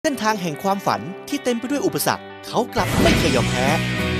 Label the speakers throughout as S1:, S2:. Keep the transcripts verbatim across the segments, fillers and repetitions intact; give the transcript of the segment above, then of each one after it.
S1: เส้นทางแห่งความฝันที่เต็มไปด้วยอุปสรรคเขากลับไม่เคยยอมแพ้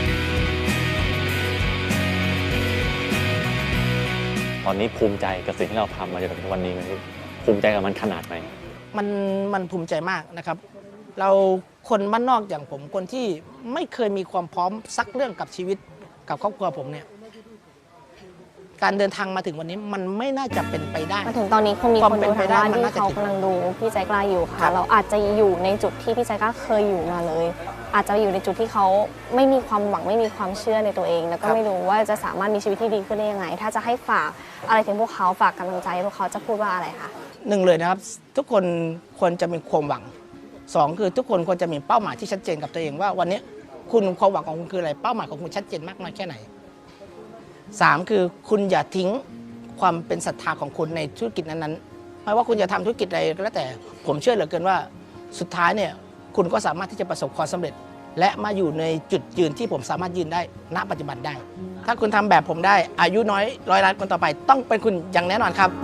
S2: ตอนนี้ภูมิใจกับสิ่งที่เราทำมาจนถึงวันนี้ไหมภูมิใจกับมันขนาดไหน
S3: มันมันภูมิใจมากนะครับเราคนบ้านนอกอย่างผมคนที่ไม่เคยมีความพร้อมสักเรื่องกับชีวิตกับครอบครัวผมเนี่ยการเดินทางมาถึงวันนี้มันไม่น่าจะเป็นไปได้
S4: มาถึงตอนนี้คงมีคนดูทางบ้านที่เขากำลังดูพี่ใจกล้าอยู่ค่ะเราอาจจะอยู่ในจุดที่พี่ใจกล้าเคยอยู่มาเลย อาจจะอยู่ในจุดที่เขาไม่มีความหวังไม่มีความเชื่อในตัวเอง แล้วก็ไม่รู้ว่าจะสามารถมีชีวิตที่ดีขึ้นได้ยังไงถ้าจะให้ฝากอะไรถึงพวกเขาฝากกำลังใจพวกเขาจะพูดว่าอะไรคะ
S3: หนึ่งเลยนะครับทุกคนควรจะมีความหวังสองคือทุกคนควรจะมีเป้าหมายที่ชัดเจนกับตัวเองว่าวันนี้คุณความหวังของคุณคืออะไรเป้าหมายของคุณชัดเจนมากน้อยแค่ไหนสามคือคุณอย่าทิ้งความเป็นศรัทธาของคุณในธุรกิจนั้นๆไม่ว่าคุณจะทำธุรกิจอะไรก็แล้วแต่ผมเชื่อเหลือเกินว่าสุดท้ายเนี่ยคุณก็สามารถที่จะประสบความสำเร็จและมาอยู่ในจุดยืนที่ผมสามารถยืนได้ณปัจจุบันได้ถ้าคุณทำแบบผมได้อายุน้อยร้อยล้านคนต่อไปต้องเป็นคุณอย่างแน่นอนครับ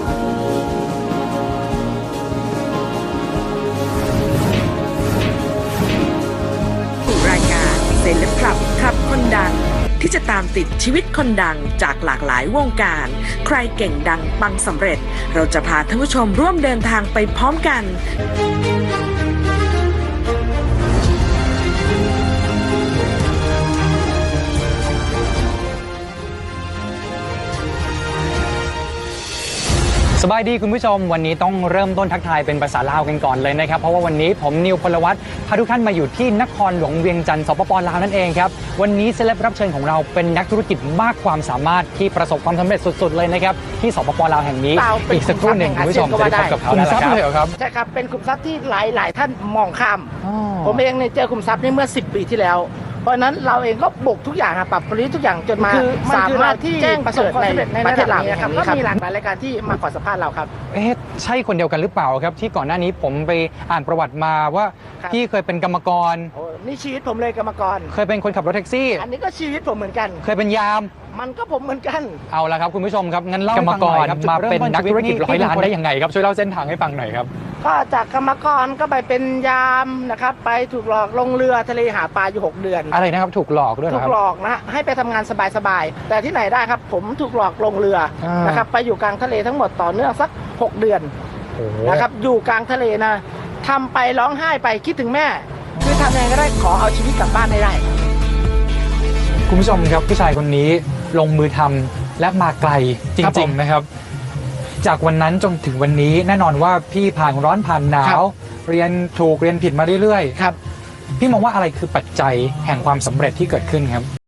S5: รายการเซเลบคลับคลับคนดังที่จะตามติดชีวิตคนดังจากหลากหลายวงการใครเก่งดังปังสำเร็จเราจะพาท่านผู้ชมร่วมเดินทางไปพร้อมกัน
S6: สบายดีคุณผู้ชมวันนี้ต้องเริ่มต้นทักทายเป็นภาษาลาวกันก่อนเลยนะครับเพราะว่าวันนี้ผมนิวพลวัฒน์พาทุกท่านมาอยู่ที่นครหลวงเวียงจันทร์สปป.ลาวนั่นเองครับวันนี้เซเลบรับเชิญของเราเป็นนักธุรกิจมากความสามารถที่ประสบความสำเร็จสุดๆเลยนะครับที่สปป.ลาวแห่งนี้อีกสักครู่หนึ่งคุณผู้ชมจะได้พบกับเขาแล้วครับ
S3: ใช่ครับเป็นขุมทรัพย์ที่หลายๆท่านมองข้ามผมเองเนี่ยเจอขุมทรัพย์นี้เมื่อสิบปีที่แล้วเพราะนั้นเราเองก็บุกทุกอย่างปรับปรุงทุกอย่างจนมาสามารถที่แจ้งประสบความสำเร็จในประเทศลาวนะครับก็มีหลากหลายรายการที่มาขอสัมภาษณ์เราครับ
S6: เอ๊ะใช่คนเดียวกันหรือเปล่าครับที่ก่อนหน้านี้ผมไปอ่านประวัติมาว่าพี่เคยเป็นกรรมกร
S3: นี่ชีวิตผมเลยกรรมกร
S6: เคยเป็นคนขับรถแท็กซี่
S3: อันนี้ก็ชีวิตผมเหมือนกัน
S6: เคยเป็นยาม
S3: มันก็ผมเหมือนกัน
S6: เอาละครับคุณผู้ชมครับงั้นเล่ากรรมกรมาเป็นนักธุรกิจร้อยล้านได้ยังไงครับช่วยเล่าเส้นทางให้ฟังหน่อยครับ
S3: ก็จากกรรมกรก็ไปเป็นยามนะครับไปถูกหลอกลงเรือทะเลหาปลาอยู่หกเดือน
S6: อะไรนะครับถูกหลอกด้วยเหรอครับ
S3: ถูกหลอกนะให้ไปทำงานสบายๆแต่ที่ไหนได้ครับผมถูกหลอกลงเรือนะครับไปอยู่กลางทะเลทั้งหมดต่อเนื่องสักหกเดือนนะครับอยู่กลางทะเลนะทำไปร้องไห้ไปคิดถึงแม่คือทำยังไงก็ได้ขอเอาชีวิตกลับบ้านได้
S6: คุณผู้ชมครับผู้ชายคนนี้ลงมือทำและมาไกลจริงๆนะครับจากวันนั้นจนถึงวันนี้แน่นอนว่าพี่ผ่านร้อนผ่านหนาวเรียนถูกเรียนผิดมาเรื่อยๆครับพี่มองว่าอะไรคือปัจจัยแห่งความสำเร็จที่เกิดขึ้นครับ